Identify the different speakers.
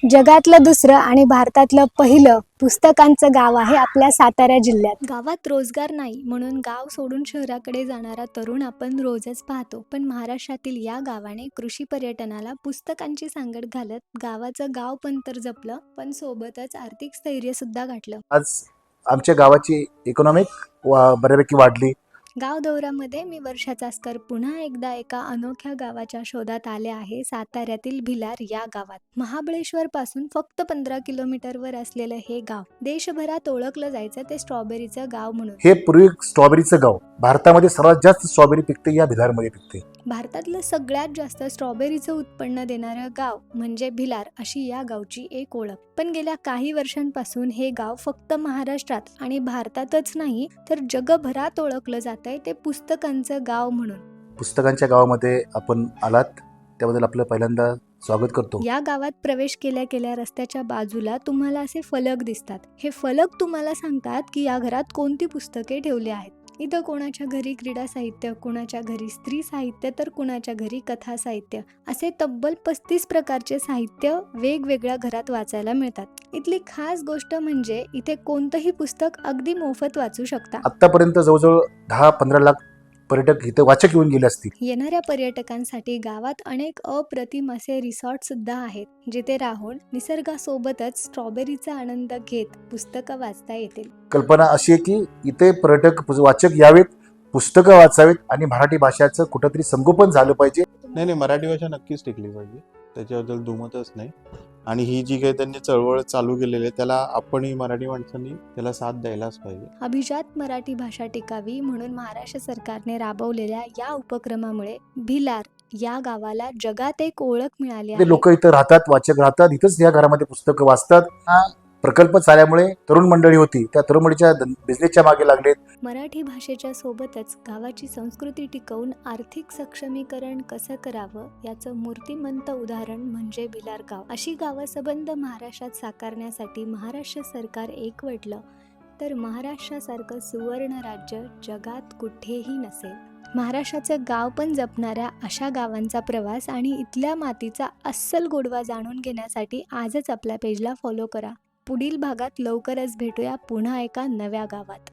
Speaker 1: जगातलं दुसरं आणि भारतातलं पहिलं पुस्तकांचं गाव आहे आपल्या सातारा जिल्ह्यात. गावात रोजगार नाही म्हणून गाव सोडून शहराकडे जाणारा तरुण आपण रोजच पाहतो. पण महाराष्ट्रातील या गावाने कृषी पर्यटनाला पुस्तकांची सांगड घालत गावाचं गाव पण तर जपलं, पण सोबतच आर्थिक स्थैर्य सुद्धा गाठलं.
Speaker 2: आज आमच्या गावाची इकॉनॉमिक बऱ्यापैकी वाढली.
Speaker 1: गाव दौऱ्यामध्ये मी वर्षा चास्कर पुन्हा एकदा एका अनोख्या गावाच्या शोधात आले आहे. साताऱ्यातील भिलार या गावात. महाबळेश्वर पासून फक्त 15 किलोमीटरवर असलेलं हे गाव देशभरात ओळखलं जायचं ते स्ट्रॉबेरीचं गाव म्हणून.
Speaker 2: हे पूर्वी स्ट्रॉबेरीचं गाव. भारतामध्ये सर्वात जास्त स्ट्रॉबेरी पिकते या भिलारमध्ये पिकते.
Speaker 1: भारतातलं सगळ्यात जास्त स्ट्रॉबेरीचं उत्पन्न देणारं गाव म्हणजे भिलार अशी या गावची एक ओळख. पण गेल्या काही वर्षांपासून हे गाव फक्त महाराष्ट्रात आणि भारतातच नाही तर जगभरात ओळखलं जातंय ते पुस्तकांचं गाव म्हणून.
Speaker 2: पुस्तकांच्या गावामध्ये आपण आलात त्याबद्दल आपलं पहिल्यांदा स्वागत करतो.
Speaker 1: या गावात प्रवेश केल्या रस्त्याच्या बाजूला तुम्हाला असे फलक दिसतात. हे फलक तुम्हाला सांगतात की या घरात कोणती पुस्तके ठेवली आहेत. इथं कोणाच्या घरी क्रीडा साहित्य, कोणाच्या घरी स्त्री साहित्य, तर कोणाच्या घरी कथा साहित्य असे तब्बल 35 प्रकारचे साहित्य वेगवेगळ्या घरात वाचायला मिळतात. इथली खास गोष्ट म्हणजे इथे कोणतंही पुस्तक अगदी मोफत वाचू शकता.
Speaker 2: आतापर्यंत जवळजवळ 10-15 लाख पर्यटक इथं वाचक येऊन गेले असतील.
Speaker 1: येणाऱ्या पर्यटकांसाठी गावात अनेक अप्रतिम असे रिसॉर्ट सुद्धा आहेत, जिथे राहून निसर्गासोबतच स्ट्रॉबेरीचा आनंद घेत पुस्तकं वाचता येतील.
Speaker 2: कल्पना अशी आहे की इथे पर्यटक वाचक यावेत, पुस्तकं वाचावेत आणि मराठी भाषेचं कुठंतरी संगोपन झालं पाहिजे.
Speaker 3: नाही, मराठी भाषा नक्कीच टिकली पाहिजे, त्याच्याबद्दल दुमतच नाही. आणि ही जी काही त्यांनी चळवळ चालू केलेली आहे त्याला आपणही मराठी माणसांनी त्याला साथ द्यायलाच पाहिजे.
Speaker 1: अभिजात मराठी भाषा टिकावी म्हणून महाराष्ट्र सरकारने राबवलेल्या या उपक्रमामुळे भिलार या गावाला जगात एक ओळख मिळाली आहे.
Speaker 2: लोक इथं राहतात, वाचक राहतात, इथंच या घरामध्ये पुस्तकं वाचतात. हा प्रकल्प चालल्यामुळे तरुण मंडळी होती त्या तरुण मंडळीच्या बिझनेसच्या मागे लागलेत.
Speaker 1: मराठी भाषेच्या सोबतच गावाची संस्कृती टिकवून आर्थिक सक्षमीकरण कसं करावं याचं मूर्तिमंत उदाहरण म्हणजे भिलार गाव. अशी गावसंबंध महाराष्ट्रात साकारण्यासाठी महाराष्ट्र सरकार एकवटलं तर महाराष्ट्रासारखं सुवर्ण राज्य जगात कुठेही नसेल. महाराष्ट्राचं गाव पण जपणाऱ्या अशा गावांचा प्रवास आणि इथल्या मातीचा अस्सल गोडवा जाणून घेण्यासाठी आजच आपल्या पेजला फॉलो करा. पुढील भागात लवकरच भेटूया पुन्हा एका नव्या गावात.